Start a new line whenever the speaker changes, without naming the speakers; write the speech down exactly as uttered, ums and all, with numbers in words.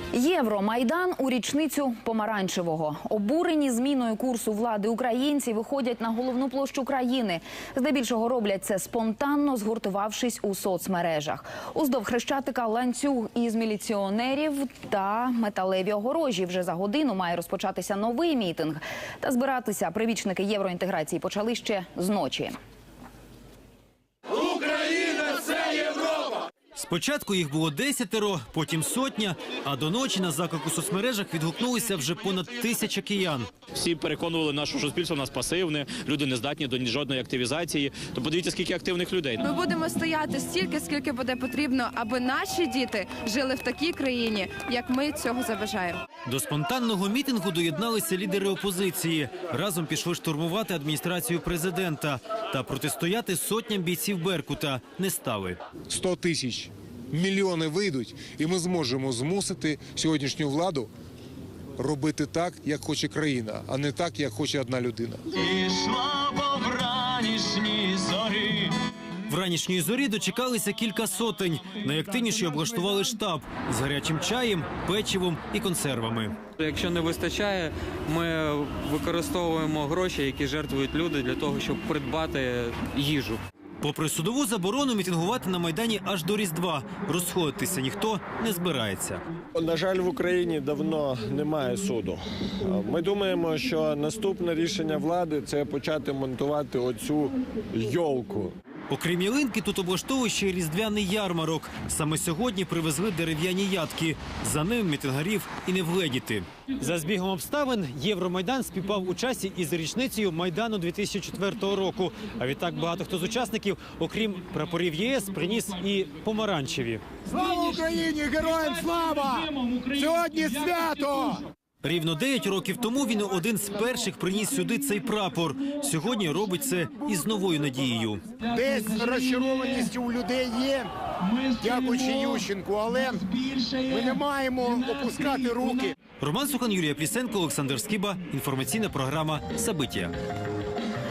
Євромайдан у річницю помаранчевого. Обурені зміною курсу влади українці виходять на головну площу країни. Здебільшого роблять це спонтанно, згуртувавшись у соцмережах. Уздовж Хрещатика ланцюг із міліціонерів та металеві огорожі. Вже за годину має розпочатися новий мітинг. Та збиратися привічники євроінтеграції почали ще з ночі.
Україна – це Європа!
Спочатку їх було десятеро, потім сотня, а до ночі на заклик у соцмережах відгукнулися вже понад тисяча киян.
Всі переконували нас, що суспільство у нас пасивне, люди не здатні до жодної активізації. То подивіться, скільки активних людей.
Ми будемо стояти стільки, скільки буде потрібно, аби наші діти жили в такій країні, як ми цього забажаємо.
До спонтанного мітингу доєдналися лідери опозиції. Разом пішли штурмувати адміністрацію президента. Та протистояти сотням бійців Беркута не стали.
сто тисяч, мільйони вийдуть, і ми зможемо змусити сьогоднішню владу робити так, як хоче країна, а не так, як хоче одна людина.
Ішла по вранішній зорі.
Вранішньої зорі дочекалися кілька сотень. Найактивніші облаштували штаб з гарячим чаєм, печивом і консервами.
Якщо не вистачає, ми використовуємо гроші, які жертвують люди, для того, щоб придбати їжу.
Попри судову заборону, мітингувати на Майдані аж до Різдва. Розходитися ніхто не збирається.
На жаль, в Україні давно немає суду. Ми думаємо, що наступне рішення влади – це почати монтувати оцю йолку.
Окрім ялинки, тут облаштовують ще й різдвяний ярмарок. Саме сьогодні привезли дерев'яні ядки. За ним мітингарів і не вгледіти. За збігом обставин Євромайдан співпав у часі із річницею Майдану дві тисячі четвертого року. А відтак багато хто з учасників, окрім прапорів ЄС, приніс і помаранчеві.
Слава Україні! Героям слава! Сьогодні свято!
Рівно дев'ять років тому він один з перших приніс сюди цей прапор. Сьогодні робить це із новою надією.
Десь розчарованість у людей є, дякуючи Ющенку, але ми не маємо опускати руки.
Роман Сухан, Юлія Плісенко, Олександр Скиба. Інформаційна програма «Сабиття».